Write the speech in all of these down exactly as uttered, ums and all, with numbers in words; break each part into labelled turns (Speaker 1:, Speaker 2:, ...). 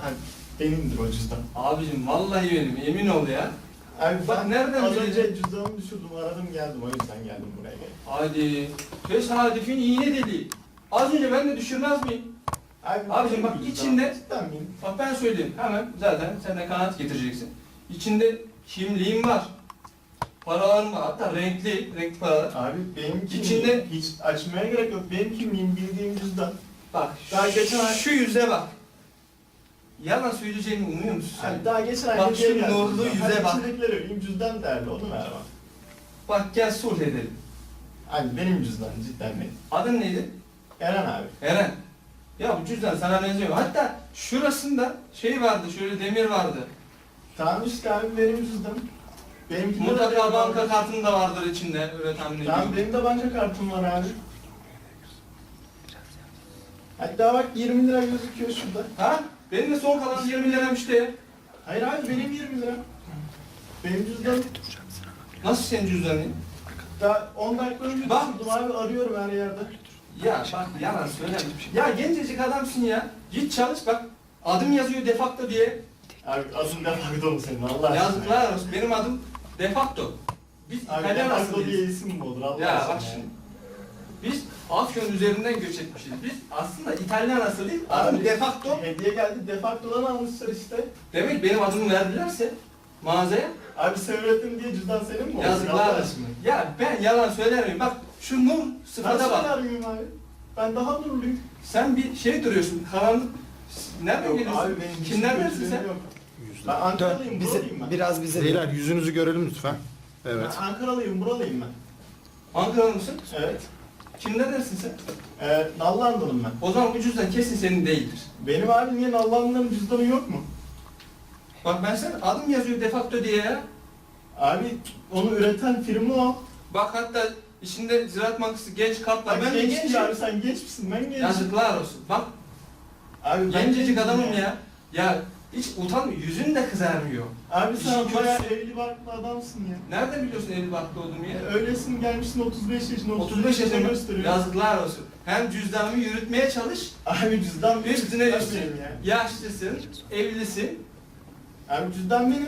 Speaker 1: Abi benimdir o cüzdan.
Speaker 2: Abicim vallahi benim, emin ol ya.
Speaker 1: Abi
Speaker 2: Bak
Speaker 1: ben
Speaker 2: nereden
Speaker 1: az
Speaker 2: bildin?
Speaker 1: önce cüzdanımı düşürdüm, aradım geldim, o yüzden geldim buraya geldim.
Speaker 2: Hadi. Tesadüfün iğne deliği. Az önce ben de düşürmez miyim?
Speaker 1: Abi,
Speaker 2: Abicim bak
Speaker 1: benim cüzdan.
Speaker 2: içinde,
Speaker 1: Cidden benim.
Speaker 2: bak ben söyleyeyim hemen, zaten sen de kanaat getireceksin. İçinde kimliğim var. Paralarım var, hatta renkli, renkli paralar.
Speaker 1: Abi benim kimliğim,
Speaker 2: İçinde-
Speaker 1: hiç açmaya gerek yok. Benim kimliğim bildiğim cüzdan.
Speaker 2: Bak
Speaker 1: Daha geçen ay-
Speaker 2: şu yüze bak. Yalan söyleyeceğimi umuyor musun sen?
Speaker 1: Abi daha geçen ay
Speaker 2: Bak
Speaker 1: hediye
Speaker 2: şu
Speaker 1: geldi
Speaker 2: nurlu
Speaker 1: cüzdan.
Speaker 2: yüze
Speaker 1: Hadi
Speaker 2: bak.
Speaker 1: içindekileri benim cüzdan değerli, onu ver bana.
Speaker 2: Bak gel sulh edelim.
Speaker 1: Abi benim cüzdan, cidden benim.
Speaker 2: Adın neydi?
Speaker 1: Eren abi.
Speaker 2: Eren. Ya bu cüzdan sana benziyor. Hatta şurasında şey vardı, şöyle demir vardı.
Speaker 1: Tamam işte abi benim cüzdanım. Benimkinde de
Speaker 2: Mutlaka
Speaker 1: benim
Speaker 2: banka
Speaker 1: var.
Speaker 2: kartın da vardır içinde, öyle tahmin ediyorum.
Speaker 1: Tamam benim de banka kartım var abi. Hatta bak yirmi lira gözüküyor şurada.
Speaker 2: Ha? Benim de son kalan yirmi liram işte.
Speaker 1: Hayır abi benim yirmi lira. Benim cüzdanım
Speaker 2: Nasıl senin cüzdanın?
Speaker 1: daha on dakika önce
Speaker 2: Bak.
Speaker 1: düşürdüm abi, arıyorum her yerde.
Speaker 2: Ya bak yalan söyleme. Ya gencecik adamsın ya. Git çalış bak. Adım yazıyor defakto diye.
Speaker 1: Abi adın defakto mu senin Allah aşkına?
Speaker 2: Yazıklar olsun. Benim adım defakto. Biz
Speaker 1: Abi
Speaker 2: İtalyan
Speaker 1: defakto diye
Speaker 2: asıllıyız.
Speaker 1: isim mi olur Allah
Speaker 2: Ya
Speaker 1: aşkına?
Speaker 2: bak şimdi. Biz Afyon üzerinden göç etmişiz. Biz aslında İtalyan asıl değil, adım
Speaker 1: Abi,
Speaker 2: defakto.
Speaker 1: Hediye geldi, defaktodan almışlar işte.
Speaker 2: Demek benim adımı verdilerse mağazaya
Speaker 1: Abi sen öğrettin diye cüzdan senin mi olur?
Speaker 2: yazıklar
Speaker 1: Allah
Speaker 2: olsun.
Speaker 1: aşkına?
Speaker 2: Ya ben yalan söyler miyim? Bak şu nur
Speaker 1: Ben
Speaker 2: sıfata bak.
Speaker 1: söyler miyim abi? Ben daha nurluyum.
Speaker 2: Sen bir şey duruyorsun, karanlık. Nereden
Speaker 1: Yok
Speaker 2: geliyorsun?
Speaker 1: abi benim hiç
Speaker 2: Kimlerdensin
Speaker 1: kötülüğüm
Speaker 2: sen?
Speaker 1: yok. Ben Ankaralıyım,
Speaker 3: Dön, bize,
Speaker 1: buralıyım ben.
Speaker 3: biraz bize
Speaker 4: Beyler yüzünüzü görelim lütfen. Evet.
Speaker 1: Ben Ankaralıyım, buralıyım ben.
Speaker 2: Ankaralı mısın?
Speaker 1: Evet.
Speaker 2: Kimlerdensin sen?
Speaker 1: Ee, Nallandalım ben.
Speaker 2: O zaman bu cüzdan kesin senin değildir.
Speaker 1: Benim abi niye Nallanlıların cüzdanı yok mu?
Speaker 2: Bak ben sen adım yazıyor defakto diye ya.
Speaker 1: Abi onu üreten firma o.
Speaker 2: Bak hatta içinde Ziraat Bankası genç kart var.
Speaker 1: Abi
Speaker 2: Ben de
Speaker 1: genç
Speaker 2: gençim.
Speaker 1: değil abi, sen genç misin? Ben gencim.
Speaker 2: Yazıklar olsun. Bak
Speaker 1: Abi ben
Speaker 2: gencecik
Speaker 1: gencim
Speaker 2: adamım ya. Ya hiç utanmıyor. Yüzün de kızarmıyor.
Speaker 1: Abi
Speaker 2: İşin
Speaker 1: sen
Speaker 2: kötüsü-
Speaker 1: bayağı evli barklı adamsın ya.
Speaker 2: Nerede biliyorsun evli barklı olduğumu ya?
Speaker 1: E, Öylesin, gelmişsin otuz beş yaşına,
Speaker 2: otuz beş yaşında
Speaker 1: gösteriyor.
Speaker 2: yazıklar olsun. Hem cüzdanımı yürütmeye çalış,
Speaker 1: Abi cüzdan benim,
Speaker 2: üstüne
Speaker 1: cüzdan
Speaker 2: üstlük
Speaker 1: benim ya.
Speaker 2: yaşlısın, evlisin.
Speaker 1: Abi cüzdan benim.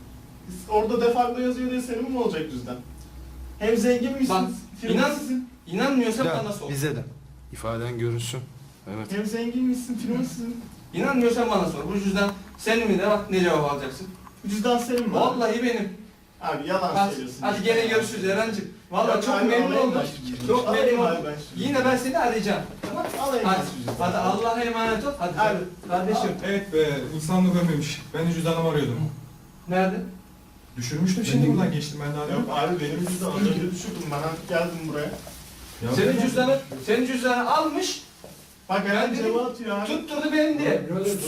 Speaker 1: Orada defakto yazıyor diye senin mi olacak cüzdan? Hem zengin misin?
Speaker 2: Bak,
Speaker 1: firma
Speaker 2: inan-
Speaker 1: sizin.
Speaker 2: İnanmıyorsan
Speaker 3: Dön,
Speaker 2: bana sor.
Speaker 3: bize de.
Speaker 4: İfaden görünsün. Evet.
Speaker 1: Hem zengin misin? Firma sizin.
Speaker 2: İnanmıyorsan bana sor. Bu cüzdan senin mi de bak ne cevap alacaksın.
Speaker 1: Bu cüzdan senin mi? abi?
Speaker 2: Vallahi benim.
Speaker 1: Abi yalan
Speaker 2: Hadi,
Speaker 1: söylüyorsun.
Speaker 2: hadi gene görüşürüz Eren'cim. Vallahi
Speaker 1: Yok
Speaker 2: çok
Speaker 1: abi,
Speaker 2: memnun
Speaker 1: alayım
Speaker 2: oldum.
Speaker 1: ben şu cüzdanı.
Speaker 2: Çok
Speaker 1: Alayım
Speaker 2: memnun
Speaker 1: abi
Speaker 2: oldum.
Speaker 1: ben şu
Speaker 2: Yine ben seni arayacağım. Tamam.
Speaker 1: Alayım
Speaker 2: Hadi,
Speaker 1: ben şu cüzdanı.
Speaker 2: hadi Allah'a emanet ol. Hadi
Speaker 1: Abi,
Speaker 2: kardeşim.
Speaker 5: Evet be, insanlık ölmemiş. Ben de cüzdanımı arıyordum.
Speaker 2: Nerede?
Speaker 5: Düşürmüştüm şimdi buradan geçtim ben daha
Speaker 1: Yok
Speaker 5: yok.
Speaker 1: abi benim cüzdanı az önce düşürdüm, ben geldim buraya.
Speaker 5: Ya
Speaker 2: Senin cüzdanı, senin cüzdanı almış,
Speaker 1: Bak
Speaker 2: Ben
Speaker 1: Eren
Speaker 2: dedim-
Speaker 1: cevap atıyor abi.
Speaker 2: tutturdu benim diye.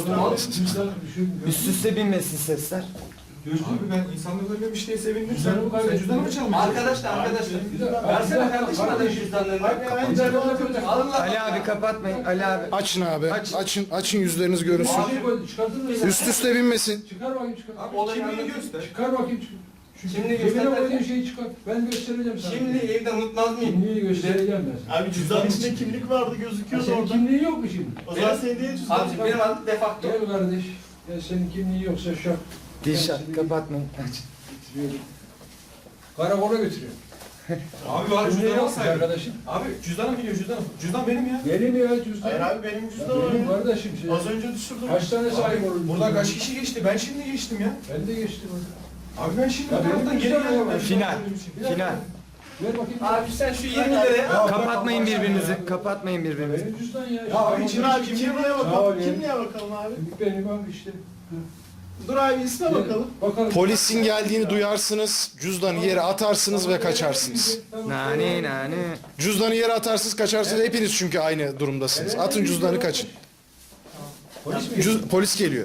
Speaker 3: Üst üste binmesin sesler.
Speaker 5: Abi ben insanlık ölmemiş diye sevindim. Sen,
Speaker 6: Cüzdanımı
Speaker 5: sen
Speaker 6: kaybettim.
Speaker 5: cüzdanımı mı çalmışsın?
Speaker 2: Arkadaşlar, arkadaşlar.
Speaker 1: Cüzdan-
Speaker 2: Versene kardeşim adamın cüzdanlarını.
Speaker 1: Bak Eren cevap atıyor.
Speaker 2: Allah
Speaker 3: Ali abi kapatmayın. Ali abi.
Speaker 4: Açın abi.
Speaker 3: Aç.
Speaker 4: Açın açın yüzleriniz görünsün.
Speaker 6: Çıkartın mı?
Speaker 4: Üst üste binmesin.
Speaker 6: Çıkar bakayım çıkar.
Speaker 5: Abi
Speaker 2: Olayı
Speaker 5: kimliğini
Speaker 2: anlatın.
Speaker 5: göster.
Speaker 6: Çıkar bakayım çıkar. Şu
Speaker 2: Kimliği
Speaker 6: cebine
Speaker 2: göster
Speaker 6: koyduğun
Speaker 2: derken?
Speaker 6: şeyi çıkar. Ben göstereceğim sana.
Speaker 2: Şimdi evde unutmaz mıyım?
Speaker 6: Kimliği göstereceğim ben sana.
Speaker 1: Abi cüzdanın içinde kimlik vardı,
Speaker 6: Ha,
Speaker 1: gözüküyordu
Speaker 6: senin
Speaker 1: orada.
Speaker 6: kimliğin yok mu şimdi?
Speaker 1: O zaman
Speaker 2: Benim-
Speaker 1: senin değil cüzdan.
Speaker 2: Abicim benim adım defakto.
Speaker 6: Gel kardeş. Ya senin kimliğin yoksa şu an.
Speaker 3: Dilşat kapatmayın. Aç.
Speaker 6: Getiriyorum. Karakola götürüyor.
Speaker 5: Abi var
Speaker 6: Kimliği
Speaker 5: cüzdanı
Speaker 6: yok mu
Speaker 5: alsaydın.
Speaker 6: arkadaşım?
Speaker 5: Abi cüzdanım biliyor cüzdanım. Cüzdan benim ya.
Speaker 6: Benim ya cüzdan.
Speaker 1: Hayır abi benim cüzdanım
Speaker 6: Benim
Speaker 1: öyle.
Speaker 6: kardeşim şey.
Speaker 1: Az önce düşürdüm.
Speaker 6: Kaç tane sahip olur?
Speaker 5: Abi, buradan kaç kişi geçti? Ben şimdi geçtim ya.
Speaker 6: Ben de geçtim orada.
Speaker 5: Abi ben şimdi
Speaker 6: Ya
Speaker 5: bu
Speaker 6: benim
Speaker 5: taraftan geri
Speaker 6: cüzdanım
Speaker 5: geldim.
Speaker 6: var.
Speaker 5: Ben
Speaker 3: Final.
Speaker 6: Bir dakika.
Speaker 3: Final.
Speaker 6: Ver bakayım.
Speaker 2: Abi sen şu yirmi liraya al.
Speaker 3: Kapatmayın birbirinizi. Kapatmayın birbirinizi.
Speaker 6: Benim cüzdan ya.
Speaker 5: Ya abi,
Speaker 1: Şimdi abi kimliğe
Speaker 6: Sağ ol
Speaker 1: bakalım.
Speaker 6: ya.
Speaker 1: Kimliğe bakalım abi.
Speaker 6: Benim abi işte.
Speaker 1: Dur abi isme bakalım.
Speaker 6: Bakalım.
Speaker 4: Polisin geldiğini duyarsınız. Cüzdanı yere atarsınız ve kaçarsınız.
Speaker 3: Nane nane.
Speaker 4: Cüzdanı yere atarsınız kaçarsınız. Hepiniz çünkü aynı durumdasınız. Atın cüzdanı kaçın.
Speaker 6: Polis mi?
Speaker 4: Cüz- polis geliyor.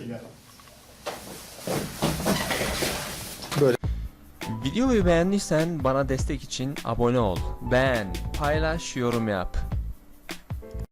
Speaker 7: Videoyu beğendiysen bana destek için abone ol. Beğen, paylaş, yorum yap.